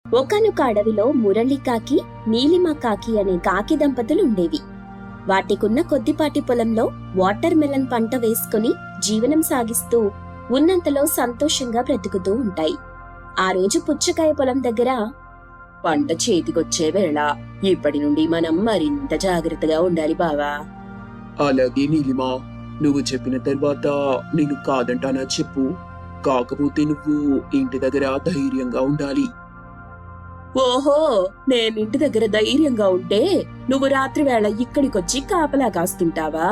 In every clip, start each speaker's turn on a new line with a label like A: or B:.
A: ఒకానొక అడవిలో మురళికాకి, నీలిమకాకి అనే కాకి దంపతులు ఉండేవి. వాటికున్న కొద్దిపాటి పొలంలో వాటర్ మెలన్ పంట వేసుకుని జీవనం సాగిస్తూ ఉన్నంతలో సంతోషంగా బ్రతుకుతూ ఉంటాయి. ఆ రోజు పుచ్చకాయ పొలం దగ్గర పంట చేతికొచ్చే వేళ ఇప్పటి నుండి మనం మరింత జాగ్రత్తగా ఉండాలి బావా.
B: అలాగే నీలిమా, నువ్వు చెప్పిన తర్వాత నేను కాదంటానా చెప్పు. కాకపోతే నువ్వు ఇంటి దగ్గర ధైర్యంగా ఉండాలి.
A: ఓహో, నేనింటి దగ్గర ధైర్యంగా ఉంటే నువ్వు రాత్రి వేళ ఇక్కడికొచ్చి కాపలా కాస్తుంటావా?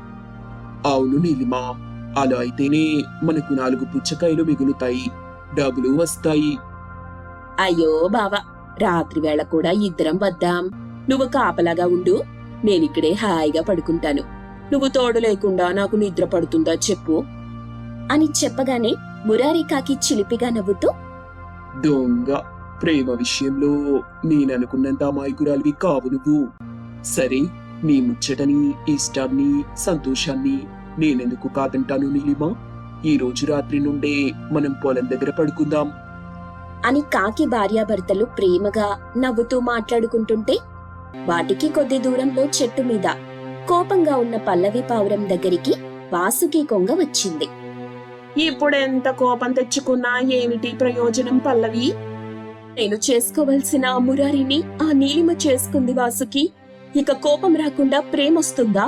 B: అవును నీలిమా, అలా అయితేనే మనకు 4 పుచ్చకాయలు మిగులుతాయి, డబ్బులు వస్తాయి.
A: అయ్యో బావా, రాత్రి వేళ కూడా ఇద్దరం వద్దాం. నువ్వు కాపలాగా ఉండు, నేనిక్కడే హాయిగా పడుకుంటాను. నువ్వు తోడు లేకుండా నాకు నిద్ర పడుతుందా చెప్పు అని చెప్పగానే మురారికాకి చిలిపిగా నవ్వుతూ,
B: దొంగ, ప్రేమ విషయంలో నేననుకున్నంత అమాయకురాలివి కావు నువ్వు. సరే, నీ ముచ్చటని, ఇష్టాన్ని, సంతోషాన్ని నేనెందుకు కాదంటాను నీలిమా. ఈ రోజు రాత్రి నుండే మనం పొలం దగ్గర పడుకుందాం
A: అని కాకి భార్యాభర్తలు ప్రేమగా నవ్వుతూ మాట్లాడుకుంటుంటే వాటికి కొద్ది దూరంలో చెట్టు మీద కోపంగా ఉన్న పల్లవి పావురం దగ్గరికి వాసుకి కొంగ వచ్చింది. ఇప్పుడెంత కోపం తెచ్చుకున్నా ఏమిటి ప్రయోజనం పల్లవి? నేను చేసుకోవలసిన మురారిని ఆ నీలిమ చేసుకుంది వాసుకి. ఇక కోపం రాకుండా ప్రేమొస్తుందా?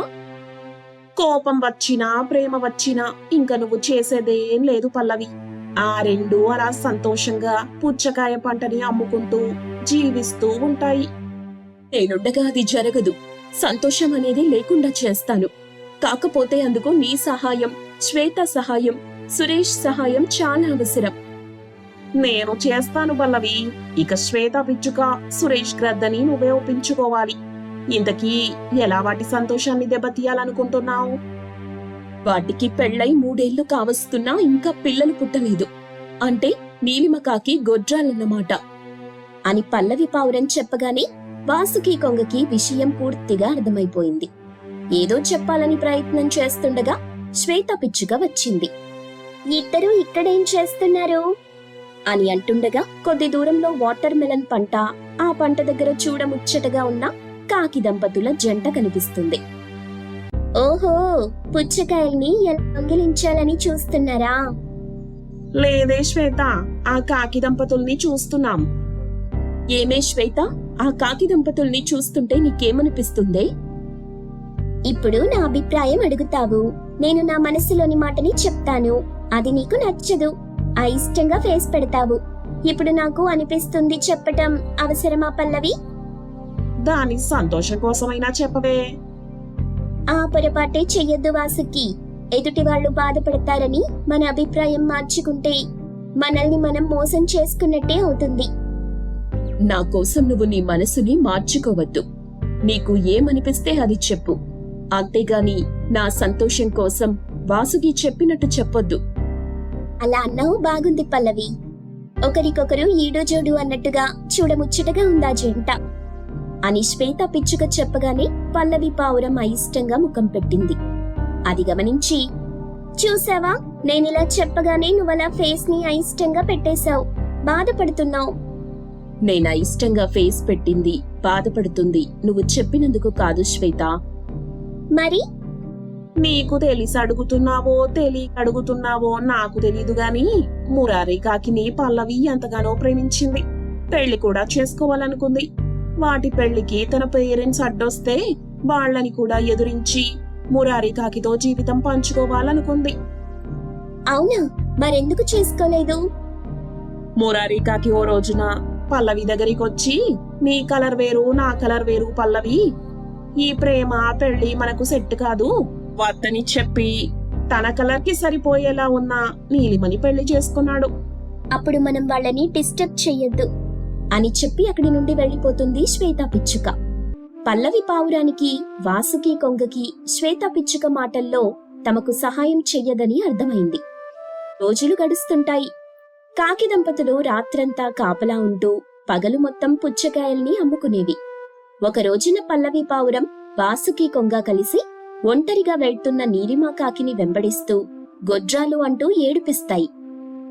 A: కోపం వచ్చినా ప్రేమ వచ్చినా ఇంక నువ్వు చేసేదేం లేదు పల్లవి. ఆ రెండు అలా సంతోషంగా పుచ్చకాయ పంటని అమ్ముకుంటూ జీవిస్తూ ఉంటాయి. నేనుండగా అది జరగదు. సంతోషం అనేది లేకుండా చేస్తాను. కాకపోతే అందుకు నీ సహాయం, శ్వేత సహాయం, సురేష్ సహాయం చాలా అవసరం. నేను చేస్తాను పల్లవి. ఇక శ్వేత పిచ్చుక, సురేష్ గ్రద్దని నువ్వే ఒప్పించుకోవాలి. ఇంతకీ ఎలా వాటి సంతోషాన్ని దెబ్బతీయాలనుకుంటున్నావు? వాటికి పెళ్ళై 3 ఏళ్లు కావస్తున్నా ఇంకా పిల్లలు పుట్టలేదు. అంటే నీలిమకాకి గొడ్రాలన్నమాట అని పల్లవి పావురం చెప్పగానే వాసుకి కొంగకి విషయం పూర్తిగా అర్థమైపోయింది. ఏదో చెప్పాలని ప్రయత్నం చేస్తుండగా శ్వేత పిచ్చుక వచ్చింది. ఇద్దరూ ఇక్కడేం చేస్తున్నారు అని అంటుండగా కొద్ది దూరంలో వాటర్ మెలన్ పంట, ఆ పంట దగ్గర చూడముచ్చటగా ఉన్న కాకి దంపతుల జంట కనిపిస్తుంది. ఓహో, పుచ్చకాయల్ని ఎలా దొంగిలించాలని చూస్తున్నారా? లేదే శ్వేత, ఆ కాకి దంపతుల్ని చూస్తున్నాం. ఏమే శ్వేత, ఆ కాకి దంపతుల్ని చూస్తుంటే నీకేమనిపిస్తుంది? ఇప్పుడు నా అభిప్రాయం అడుగుతావు. నేను నా మనసులోని మాటని చెప్తాను. అది నీకు నచ్చదు. అయిష్టంగా ఫేస్ పెడతావు. ఇప్పుడు నాకు అనిపిస్తుంది చెప్పటం అవసరమా పల్లవి? దాని సంతోషం కోసమైనా చెప్పవే. ఆ పొరపాటే చెయ్యొద్దు వాసుకి. ఎదుటి వాళ్ళు బాధపడతారని మన అభిప్రాయం మార్చుకుంటే మనల్ని మనం మోసం చేసుకున్నట్టే అవుతుంది. నా కోసం నువ్వు నీ మనసుని మార్చుకోవద్దు. నీకు ఏమనిపిస్తే అది చెప్పు. అంతేగాని నా సంతోషం కోసం వాసుకి చెప్పినట్టు చెప్పొద్దు. అలా అన్నావు బాగుంది పల్లవి. ఒకరికొకరు ఈడో జోడు అన్నట్టుగా చూడముచ్చటగా ఉందా జంట అని శ్వేత పిచ్చుక చెప్పగానే పల్లవి పావురం అయిష్టంగా ముఖం పెట్టింది. అది గమనించి, చూసావా, నేనిలా చెప్పగానే నువ్వలా ఫేస్ ని అయిష్టంగా పెట్టేశావు. బాధపడుతున్నావు. నేను అయిష్టంగా ఫేస్ పెట్టింది, బాధపడుతుంది నువ్వు చెప్పినందుకు కాదు శ్వేత. మరి నీకు తెలిసి అడుగుతున్నావో తెలియక అడుగుతున్నావో నాకు తెలీదు గాని మురారి కాకిని పల్లవి ఎంతగానో ప్రేమించింది. పెళ్లి కూడా చేసుకోవాలనుకుంది. వాటి పెళ్లికి తన పేరెంట్స్ అడ్డొస్తే వాళ్ళని కూడా ఎదురించి మురారి కాకితో జీవితం పంచుకోవాలనుకుంది. అవునా, మరెందుకు చేసుకోలేదు? మురారి కాకి ఓ రోజున పల్లవి దగ్గరికొచ్చి, నీ కలర్ వేరు నా కలర్ వేరు పల్లవి, ఈ ప్రేమ పెళ్లి మనకు సెట్ కాదు వద్దని చెప్పి తన కలర్ కి సరిపోయేలా ఉన్న నీలిమని పెళ్లి చేసుకున్నాడు. అప్పుడు మనం వాళ్ళని డిస్టర్బ్ చెయ్యొద్దు అని చెప్పి అక్కడి నుండి వెళ్లిపోతుంది శ్వేత పిచ్చుక. పల్లవి పావురానికి, వాసుకి కొంగకి శ్వేత పిచ్చుక మాటల్లో తమకు సహాయం చెయ్యదని అర్థమైంది. రోజులు గడుస్తుంటాయి. కాకి దంపతులు రాత్రంతా కాపలా ఉంటూ పగలు మొత్తం పుచ్చకాయల్ని అమ్ముకునేవి. ఒక రోజున పల్లవి పావురం, వాసుకి కొంగ కలిసి ఒంటరిగా వెళ్తున్న నీలిమ కాకిని వెంబడిస్తూ గొడ్రాలు అంటూ ఏడిపిస్తాయి.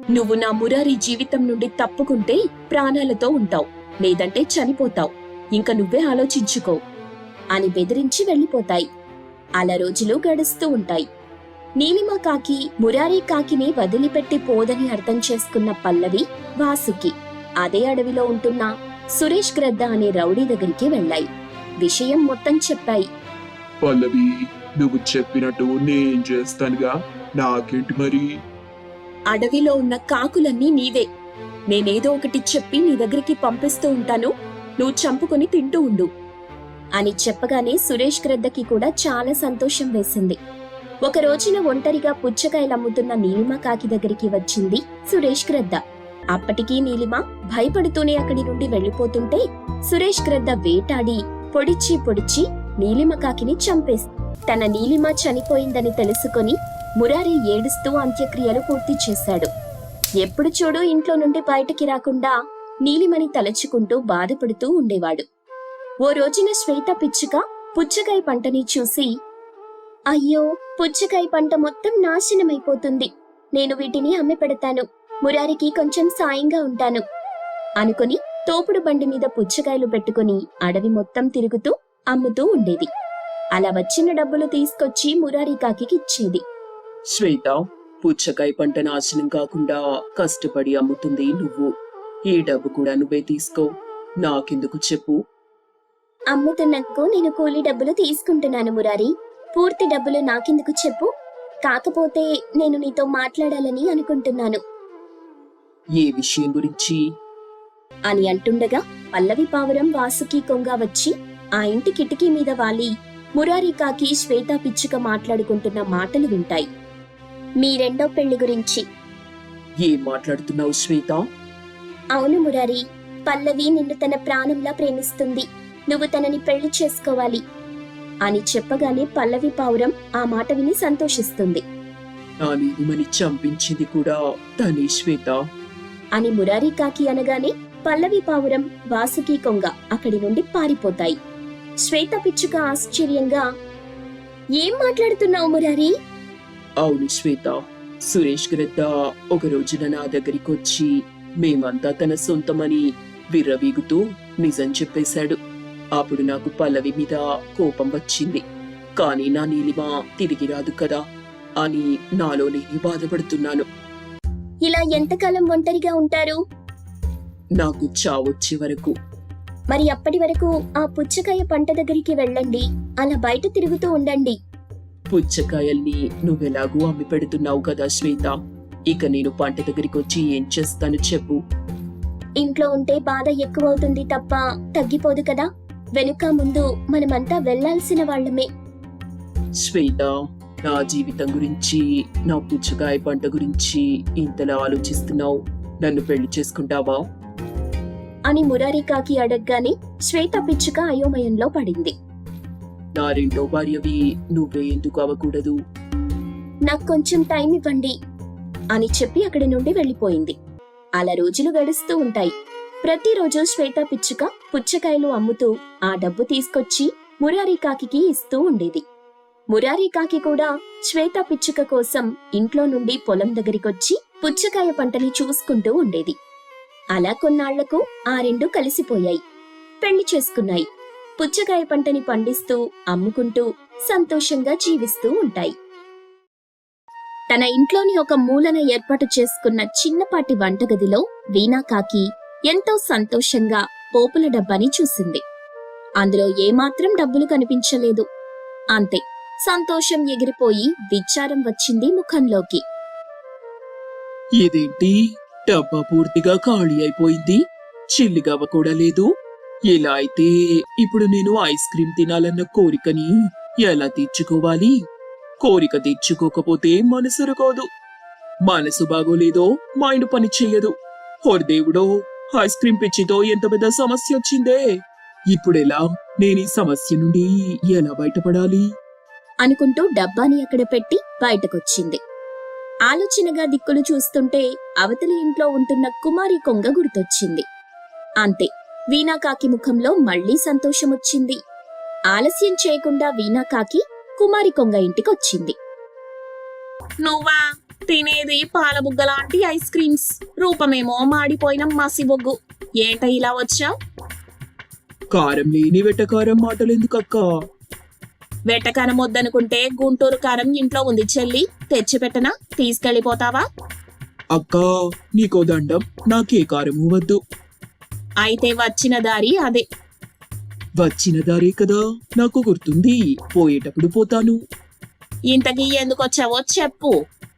A: నువ్వు నా మురారి జీవితం నుండి తప్పుకుంటే ప్రాణాలతో ఉంటావు, లేదంటే చనిపోతావు. ఇంక నువ్వే ఆలోచించుకో అని బెదిరించి వెళ్ళిపోతాయి. అలా రోజులు గడుస్తూ ఉంటాయి. నీలిమ కాకి మురారి కాకిని వదిలిపెట్టి పోదని అర్థం చేసుకున్న పల్లవి, వాసుకి అదే అడవిలో ఉంటున్న సురేష్ గ్రద్ద అనే రౌడీ దగ్గరికి వెళ్ళాయి. విషయం మొత్తం చెప్పాయి.
B: పల్లవి, నువ్వు చెప్పినట్టు నేను చేస్తానుగా, నాకేంటి మరి?
A: అడవిలో ఉన్న కాకులన్నీ నీవే. నేనేదో ఒకటి చెప్పి నీ దగ్గరికి పంపిస్తూ ఉంటాను, నువ్వు చంపుకొని తింటూ ఉండు అని చెప్పగానే సురేష్ గ్రద్దకి కూడా చాలా సంతోషం వేసింది. ఒక రోజున ఒంటరిగా పుచ్చకాయలు అమ్ముతున్న నీలిమ కాకి దగ్గరికి వచ్చింది సురేష్ గ్రద్ద. అప్పటికీ నీలిమ భయపడుతూనే అక్కడి నుండి వెళ్లిపోతుంటే సురేష్ గ్రద్ద వేటాడి పొడిచి నీలిమ కాకిని చంపేసి తన నీలిమ చనిపోయిందని తెలుసుకొని మురారి ఏడుస్తూ అంత్యక్రియలు పూర్తి చేశాడు. ఎప్పుడు చూడు ఇంట్లో నుండి బయటికి రాకుండా నీలిమని తలచుకుంటూ బాధపడుతూ ఉండేవాడు. ఓ రోజున శ్వేత పిచ్చుక పుచ్చకాయ పంటని చూసి, అయ్యో, పుచ్చకాయ పంట మొత్తం నాశనమైపోతుంది, నేను వీటిని అమ్మి పెడతాను, మురారికి కొంచెం సాయంగా ఉంటాను అనుకుని తోపుడు బండి మీద పుచ్చకాయలు పెట్టుకుని అడవి మొత్తం తిరుగుతూ అమ్ముతూ ఉండేది. అలా వచ్చిన డబ్బులు తీసుకొచ్చి మురారి కాకికి ఇచ్చేది.
B: శ్వేత, పుచ్చకాయ పంట నాశనం కాకుండా కష్టపడి అమ్ముతుంది నువ్వు. ఈ డబ్బు కూడా నువ్వే తీసుకో, నాకెందుకు చెప్పు?
A: అమ్ముతున్నందుకు నేను కూలీ డబ్బులు తీసుకుంటున్నాను మురారి, పూర్తి డబ్బులు నాకెందుకు చెప్పు? కాకపోతే నేను నీతో మాట్లాడాలని అనుకుంటున్నాను.
B: ఏ విషయం గురించి
A: అని అంటుండగా పల్లవి పావురం వాసుకి కొంగ వచ్చి ఆ ఇంటి కిటికీ మీద వాలి మురారి కాకి శ్వేత పిచ్చుక మాట్లాడుకుంటున్న మాటలు వింటాయి. మీ రెండో పెళ్లి గురించి.
B: ఏం మాట్లాడుతున్నావు శ్వేత?
A: అవును మురారి, పల్లవి నిన్ను తన ప్రాణంలా ప్రేమిస్తుంది, నువ్వు తనని పెళ్లి చేసుకోవాలి అని చెప్పగానే పల్లవి పావురం ఆ మాట విని సంతోషిస్తుంది.
B: నా నీలిమని చంపించింది కూడా తనే శ్వేత
A: అని మురారి కాకి అనగానే పల్లవి పావురం వాసుకి కొంగ అక్కడి నుండి పారిపోతాయి. శ్వేత పిచ్చుక ఆశ్చర్యంగా, ఏం మాట్లాడుతున్నావు మురారి?
B: అవును శ్వేత, సురేష్ గ్రద్ద ఒక రోజున నా దగ్గరికి వచ్చి మేమంతా తన సొంతమని విర్రవీగుతూ నిజం చెప్పేశాడు. అప్పుడు నాకు పల్లవి మీద కోపం వచ్చింది, కానీ నా నీలిమ తిరిగి రాదు కదా అని నాలో నేను బాధపడుతున్నాను.
A: ఇలా ఎంతకాలం ఒంటరిగా ఉంటారు?
B: నాకు చావొచ్చే వరకు.
A: మరి అప్పటి వరకు ఆ పుచ్చకాయ పంట దగ్గరికి వెళ్ళండి, అలా బయట తిరుగుతూ ఉండండి.
B: పుచ్చకాయల్ని నువ్వెలాగూ అమ్మి పెడుతున్నావు కదా శ్వేత, ఇక నేను పంట దగ్గరికి వచ్చి ఏం చేస్తాను చెప్పు?
A: ఇంట్లో ఉంటే బాధ ఎక్కువవుతుంది తప్ప తగ్గిపోదు కదా, వెనుక ముందు మనమంతా వెళ్లాల్సిన వాళ్ళమే.
B: శ్వేత, నా జీవితం గురించి, నా పుచ్చకాయ పంట గురించి ఇంతలా ఆలోచిస్తున్నావు, నన్ను పెళ్లి చేసుకుంటావా
A: అని మురారి కాకి అడగగానే శ్వేత పిచ్చుక అయోమయంలో పడింది.
B: నా రెండో భార్యవి నువ్వే ఎందుకు అవ్వకూడదు?
A: నాకు కొంచెం టైం ఇవ్వండి అని చెప్పి అక్కడి నుండి వెళ్లిపోయింది. అలా రోజులు గడుస్తూ ఉంటాయి. ప్రతిరోజు శ్వేత పిచ్చుక పుచ్చకాయలు అమ్ముతూ ఆ డబ్బు తీసుకొచ్చి మురారి కాకికి ఇస్తూ ఉండేది. మురారి కాకి కూడా శ్వేత పిచ్చుక కోసం ఇంట్లో నుండి పొలం దగ్గరికొచ్చి పుచ్చకాయ పంటని చూసుకుంటూ ఉండేది. అలా కొన్నాళ్లకు ఆ రెండు కలిసిపోయాయి, పెళ్లి చేసుకున్నాయి. పుచ్చకాయ పంటని పండిస్తూ అమ్ముకుంటూ సంతోషంగా జీవిస్తూ ఉంటాయి. తన ఇంట్లోని ఒక మూలన ఏర్పాటు చేసుకున్న చిన్నపాటి వంటగదిలో వీణా కాకి ఎంతో సంతోషంగా పోపుల డబ్బాని చూసింది. అందులో ఏమాత్రం డబ్బులు కనిపించలేదు. అంతే, సంతోషం ఎగిరిపోయి విచారం వచ్చింది ముఖంలోకి.
B: ఇదేంటి, డబ్బా పూర్తిగా ఖాళీ అయిపోయింది, చిల్లిగవ్వ కూడా లేదు. ఇలా అయితే ఇప్పుడు నేను ఐస్ క్రీమ్ తినాలన్న కోరికని ఎలా తీర్చుకోవాలి? కోరిక తీర్చుకోకపోతే మనసు రాదు, మనసు బాగోలేదో మైండ్ పని చెయ్యదు. ఓర్ దేవుడో, ఐస్ క్రీమ్ పిచ్చితో ఎంత పెద్ద సమస్య వచ్చిందే. ఇప్పుడెలా, నేను ఈ సమస్య నుండి ఎలా బయటపడాలి
A: అనుకుంటూ డబ్బాని అక్కడ పెట్టి బయటకొచ్చింది. ఆలోచనగా దిక్కులు చూస్తుంటే అవతలి ఇంట్లో ఉంటున్న కుమారి కొంగ గుర్తొచ్చింది. అంతే, వీణాకాకి ముఖంలో మళ్లీ సంతోషమొచ్చింది. ఆలస్యం చేయకుండా వీణాకాకి కుమారి కొంగ ఇంటికొచ్చింది.
C: నువ్వా? తినేది పాల బుగ్గ లాంటి ఐస్ క్రీమ్స్, రూపమేమో మాడిపోయిన మసి బొగ్గు. ఏంట ఇలా వచ్చావు?
B: కారం లేని వెటకారం మాటలు ఎందుకక్క?
C: వెట్టకారం వద్దనుకుంటే గుంటూరు కారం ఇంట్లో ఉంది చెల్లి, తెచ్చిపెట్టనా? తీసుకెళ్ళిపోతావా?
B: అక్క నీకో దండం, నాకే కారము వద్దు.
C: అయితే వచ్చిన దారి అదే.
B: వచ్చిన దారే కదా, నాకు గుర్తుంది. పోయేటప్పుడు పోతాను.
C: ఇంతకీ ఎందుకొచ్చావో చెప్పు.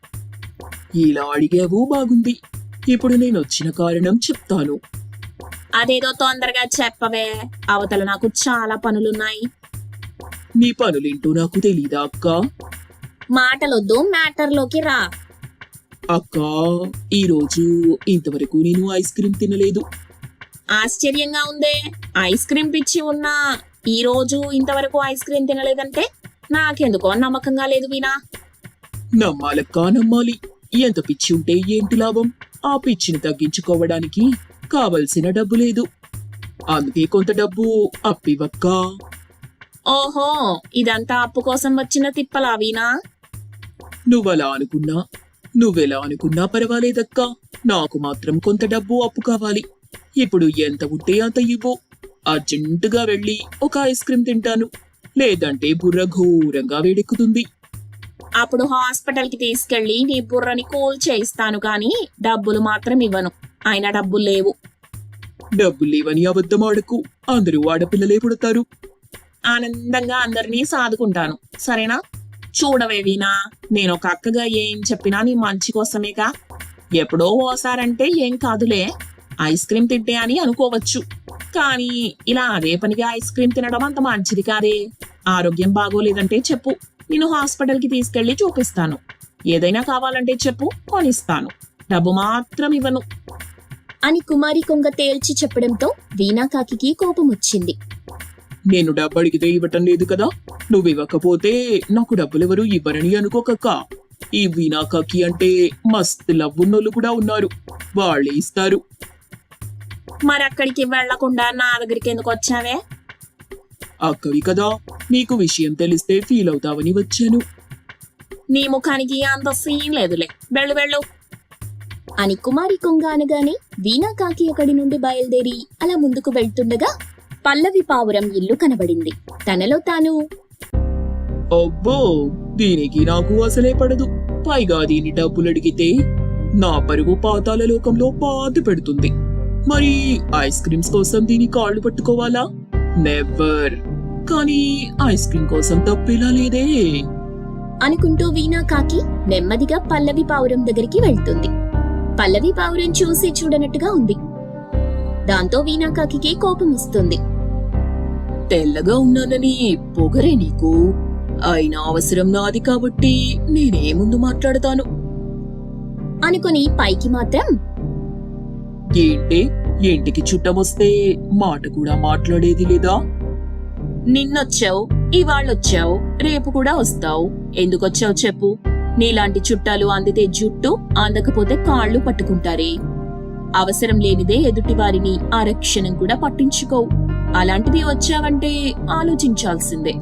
B: ఇలా అడిగావు బాగుంది. ఇప్పుడు నేను వచ్చిన కారణం చెప్తాను.
C: అదేదో తొందరగా చెప్పవే, అవతల నాకు చాలా పనులున్నాయి.
B: నీ పనులేంటో నాకు తెలీదా అక్క?
C: మాటలొద్దు, మ్యాటర్లోకి రా.
B: అక్క, ఈరోజు ఇంతవరకు నేను ఐస్ క్రీమ్ తినలేదు.
C: ఆశ్చర్యంగా ఉందే, ఐస్ క్రీమ్ పిచ్చి ఉన్నా ఈ రోజు ఇంతవరకు ఐస్ క్రీమ్ తినలేదంటే నాకెందుకో నమ్మకంగా లేదు వీణా.
B: నమ్మాలక్క, నమ్మాలి. ఎంత పిచ్చి ఉంటే ఏంటి లాభం? ఆ పిచ్చిని తగ్గించుకోవడానికి కావలసిన డబ్బు లేదు. అందుకే కొంత డబ్బు అప్పివక్క.
C: ఓహో, ఇదంతా అప్పు కోసం వచ్చిన తిప్పలా వీణా?
B: నువ్వలా అనుకున్నా, నువ్వెలా అనుకున్నా పర్వాలేదక్క. నాకు మాత్రం కొంత డబ్బు అప్పు కావాలి. ఇప్పుడు ఎంత ఉంటే అంత ఇవ్వు. అర్జెంటుగా వెళ్ళి ఒక ఐస్ క్రీమ్ తింటాను. లేదంటే బుర్ర ఘోరంగా వేడెక్కుతుంది.
C: అప్పుడు హాస్పిటల్కి తీసుకెళ్లి నీ బుర్రని కూల్ చేయిస్తాను, కానీ డబ్బులు మాత్రం ఇవ్వను. అయినా డబ్బులు లేవు.
B: డబ్బులు లేవని అబద్ధం ఆడకు. అందరూ ఆడపిల్లలే పుడతారు.
C: ఆనందంగా అందరినీ సాదుకుంటాను, సరేనా? చూడవే వీణా, నేను ఒక అక్కగా ఏం చెప్పినా నీ మంచి కోసమేగా. ఎప్పుడో ఓసారంటే ఏం కాదులే, ఐస్ క్రీమ్ తింటే అని అనుకోవచ్చు. కానీ ఇలా అదే పనిగా ఐస్ క్రీమ్ తినడం అంత మంచిది కాదే. ఆరోగ్యం బాగోలేదంటే చెప్పు, నేను హాస్పిటల్కి తీసుకెళ్లి చూపిస్తాను. ఏదైనా కావాలంటే చెప్పు, కొనిస్తాను. డబ్బు మాత్రం ఇవ్వను
A: అని కుమారి కొంగ తేల్చి చెప్పడంతో వీణాకాకి కోపం వచ్చింది.
B: నేను డబ్బు అడిగితే ఇవ్వటం లేదు కదా. నువ్వు ఇవ్వకపోతే నాకు డబ్బులెవరూ ఇవ్వరని అనుకోకక్క. ఈ వీణాకాకి అంటే మస్తు లవ్వున్నోళ్ళు కూడా ఉన్నారు. వాళ్ళే ఇస్తారు.
C: మరి అక్కడికి వెళ్లకుండా నా దగ్గరికి ఎందుకు వచ్చావే?
B: అక్కవి కదా, నీకు విషయం తెలిస్తే ఫీల్ అవుతావని వచ్చాను.
C: నీ ముఖానికి అంత సీన్ లేదులే, వెళ్ళు వెళ్ళు
A: అని కుమారి కొంగ అనగానే వీణాకాకి అక్కడి నుండి బయలుదేరి అలా ముందుకు వెళ్తుండగా పల్లవి పావురం ఇల్లు కనబడింది. తనలో తాను,
B: అబ్బో, దీనికి నాకు అసలే పడదు. పైగా దీని డబ్బులు అడిగితే నా పరుగు పాతాల లోకంలో పాతి పెడుతుంది. మరి ఐస్ క్రీమ్స్ కోసం దీని కాళ్ళు పట్టుకోవాలా? నెవర్. కానీ ఐస్ క్రీమ్ కోసం తప్పేలా లేదే
A: అనుకుంటూ వీణాకాకి నెమ్మదిగా పల్లవి పావురం దగ్గరికి వెళ్తుంది. పల్లవి పావురం చూసి చూడనట్టుగా ఉంది. దాంతో వీణాకాకి కోపం వస్తుంది.
B: తెల్లగా ఉన్నానని పొగరే నీకు? అయినా అవసరం నాది కాబట్టి నేనే ముందు మాట్లాడతాను
A: అనుకుని పైకి మాత్రం,
B: ఏంటి, ఇంటికి చుట్టమొస్తే మాట కూడా మాట్లాడేది లేదా?
C: నిన్నొచ్చావు, ఇవాళ్ళొచ్చావు, రేపు కూడా వస్తావు. ఎందుకొచ్చావు చెప్పు. నీలాంటి చుట్టాలు అందితే జుట్టు, అందకపోతే కాళ్ళు పట్టుకుంటారే. అవసరం లేనిదే ఎదుటి వారిని ఆరక్షణం కూడా పట్టించుకోవు. అలాంటిది వచ్చావంటే ఆలోచించాల్సిందే.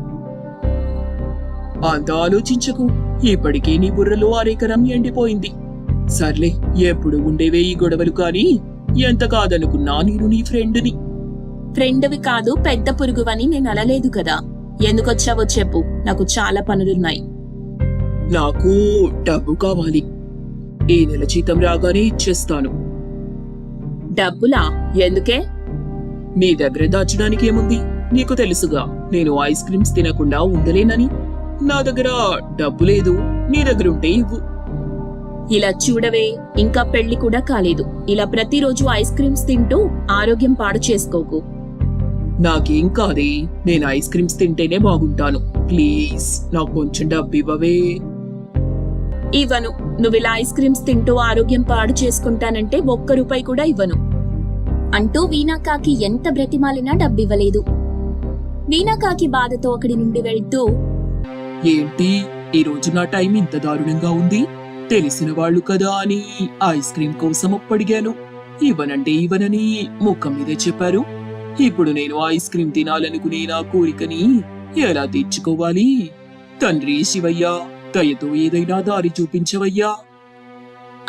B: అంత ఆలోచించకు. ఇప్పటికే నీ బుర్రలో అరేకరం ఎండిపోయింది. సర్లే, ఎప్పుడు ఉండేవే ఈ గొడవలు. కానీ ఎంత కాదనుకున్నా నేను నీ ఫ్రెండ్ని.
C: ఫ్రెండ్వి కాదు, పెద్ద పురుగువని నేను అనలేదు కదా. ఎందుకొచ్చావో చెప్పు, నాకు చాలా పనులున్నాయి.
B: నాకు డబ్బు కావాలి. ఈ నెల జీతం రాగానే ఇచ్చేస్తాను.
C: డబ్బులా? ఎందుకే?
B: నీ దగ్గర దాచడానికి ఏముంది? నీకు తెలుసుగా, నేను ఐస్ క్రీమ్స్ తినకుండా ఉండలేనని. నా దగ్గర డబ్బు లేదు. నీ దగ్గర ఉంటే ఇవ్వు.
C: ఇలా చూడవే, ఇంకా పెళ్లి కూడా కాలేదు. ఇలా ప్రతిరోజు ఐస్ క్రీమ్స్ తింటూ ఆరోగ్యం పాడు చేసుకోకు.
B: నాకేం కాదే, నేను ఐస్ క్రీమ్స్ తింటేనే బాగుంటాను. ప్లీజ్ నాకు కొంచెం డబ్బు ఇవ్వవే.
C: ఇవ్వను. నువ్వు ఇలా ఐస్ క్రీమ్స్ తింటూ ఆరోగ్యం పాడు చేసుకుంటానంటే ఒక్క రూపాయి కూడా ఇవ్వను
A: అంటూ వీణాకాకి ఎంత బ్రతిమాలినా డబ్బివ్వలేదు. వీణాకాకి బాధతో అక్కడి నుండి వెళ్తూ,
B: ఏంటి ఈ రోజు నా టైం ఇంత దారుణంగా ఉంది? తెలిసిన వాళ్ళు కదా అని ఐస్ క్రీమ్ కోసం అప్పడిగాను. ఇవ్వనంటే ఇవ్వనని ముఖం మీదే చెప్పారు. ఇప్పుడు నేను ఐస్ క్రీమ్ తినాలనుకునే నా కోరికని ఎలా తీర్చుకోవాలి? తండ్రి శివయ్య, దయతో ఏదైనా దారి చూపించవయ్యా.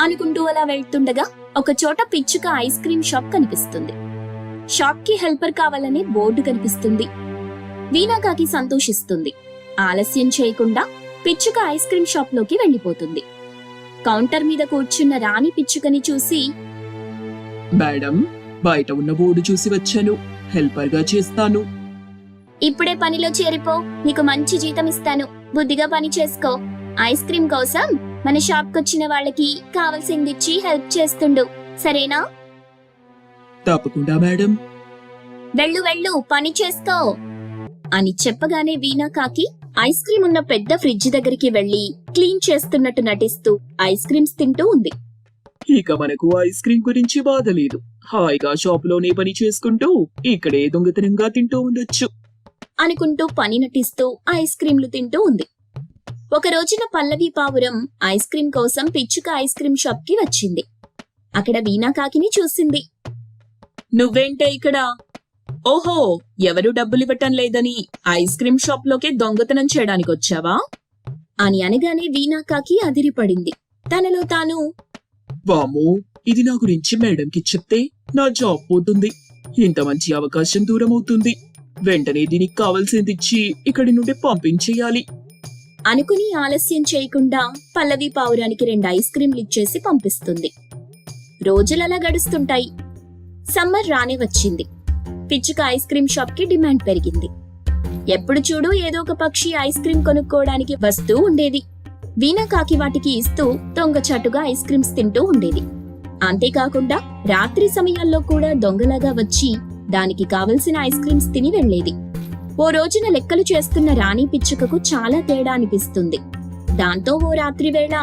A: అనుకుంటూ అలా వెళ్తుండగా ఒక చోట పిచ్చుక ఐస్ క్రీమ్ షాప్ కనిపిస్తుంది. షాప్ కి హెల్పర్ కావాలనే బోర్డు కనిపిస్తుంది. వీణాకాకి సంతోషిస్తుంది. ఆలస్యం చేయకుండా పిచ్చుక ఐస్ క్రీమ్ షాప్ లోకి వెళ్లిపోతుంది. కౌంటర్ మీద కూర్చున్న రాణి పిచ్చుకని చూసి,
B: మేడం, బయట ఉన్న బోర్డు చూసి వచ్చాను. హెల్పర్ గా చేస్తాను.
A: ఇప్పుడే పనిలో చేరిపో, నీకు మంచి జీతం ఇస్తాను. బుద్ధిగా పని చేసుకో. ఐస్ క్రీమ్ కోసం మన షాప్ కొచ్చిన వాళ్ళకి కావలసిందిచ్చి హెల్ప్ చేస్తుండు, సరేనా?
B: తప్పకుండా మేడం.
A: వెళ్ళు వెళ్ళు, పని చేసుకో అని చెప్పగానే వీణాకాకి ఐస్ క్రీమ్ ఉన్న పెద్ద ఫ్రిడ్జ్ దగ్గరికి వెళ్లి క్లీన్ చేస్తున్నట్టు నటిస్తూ ఐస్ క్రీమ్స్ తింటూ ఉంది.
B: ఇక మనకు ఐస్ క్రీమ్ గురించి బాధ లేదు. హాయిగా షాపులోనే పని చేసుకుంటూ ఇక్కడే దొంగతనంగా తింటూ ఉండొచ్చు
A: అనుకుంటూ పని నటిస్తూ ఐస్ క్రీంలు తింటూ ఉంది. ఒక రోజున పల్లవి పావురం ఐస్ క్రీమ్ కోసం పిచ్చుక ఐస్ క్రీమ్ షాప్ కి వచ్చింది. అక్కడ వీణాకాకిని చూసింది.
C: నువ్వేంటే ఇక్కడ? ఓహో, ఎవరు డబ్బులివ్వటం లేదని ఐస్ క్రీమ్ షాప్ లోకే దొంగతనం చేయడానికి వచ్చావా?
A: అని అనగానే వీణాకాకి అదిరిపడింది. తనలో తాను,
B: వామ్మో, ఇది నా గురించి మేడంకి చెప్తే నా జాబ్ పోతుంది. ఇంత మంచి అవకాశం దూరం అవుతుంది. వెంటనే దీనికి కావాల్సింది ఇచ్చి ఇక్కడి నుండి పంపించేయాలి
A: అనుకుని ఆలస్యం చేయకుండా పల్లవి పావురానికి 2 ఐస్ క్రీంలు ఇచ్చేసి పంపిస్తుంది. రోజులలా గడుస్తుంటాయి. సమ్మర్ రానే వచ్చింది. పిచ్చుక ఐస్ క్రీమ్ షాప్ కి డిమాండ్ పెరిగింది. ఎప్పుడు చూడు ఏదో ఒక పక్షి ఐస్ క్రీమ్ కొనుక్కోవడానికి వస్తూ ఉండేది. వీణాకాకి వాటికి ఇస్తూ దొంగచాటుగా ఐస్ క్రీమ్స్ తింటూ ఉండేది. అంతేకాకుండా రాత్రి సమయాల్లో కూడా దొంగలాగా వచ్చి దానికి కావలసిన ఐస్ క్రీమ్స్ తిని వెళ్లేది. ఓ రోజున లెక్కలు చేస్తున్న రాణి పిచ్చుకకు చాలా తేడా అనిపిస్తుంది. దాంతో ఓ రాత్రి వేళ,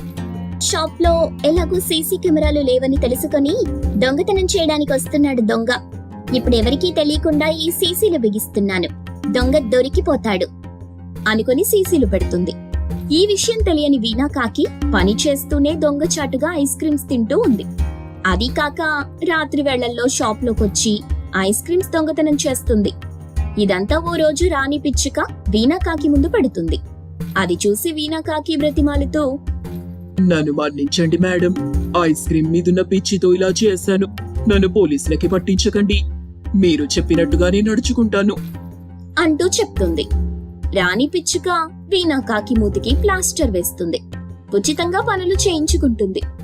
A: షాప్ లో ఎలాగూ సీసీ కెమెరాలు లేవని తెలుసుకొని దొంగతనం చేయడానికి వస్తున్నాడు దొంగ. ఇప్పుడెవరికీ తెలియకుండా ఈ సీసీలు బిగిస్తున్నాను. దొంగ దొరికిపోతాడు అనుకుని సీసీలు పెడుతుంది. ఈ విషయం తెలియని వీణాకాకి పని చేస్తూనే దొంగచాటుగా ఐస్ క్రీమ్స్ తింటూ ఉంది. అది కాక రాత్రి వేళల్లో షాప్ లోకొచ్చి ఐస్ క్రీమ్స్ దొంగతనం చేస్తుంది. ఇదంతా ఓ రోజు రాణి పిచ్చుక వీణాకాకి ముందు పెడుతుంది. అది చూసి వీణాకాకి బ్రతిమాలుతూ,
B: నన్ను మన్నించండి మేడం. ఐస్ క్రీమ్ మీదున్న పిచ్చితో ఇలా చేశాను. నన్ను పోలీసులకి పట్టించకండి. మీరు చెప్పినట్టుగానే నడుచుకుంటాను
A: అంటూ చెప్తుంది. రాణి పిచ్చుక వీణాకాకి మూతికి ప్లాస్టర్ వేస్తుంది. ఉచితంగా పనులు చేయించుకుంటుంది.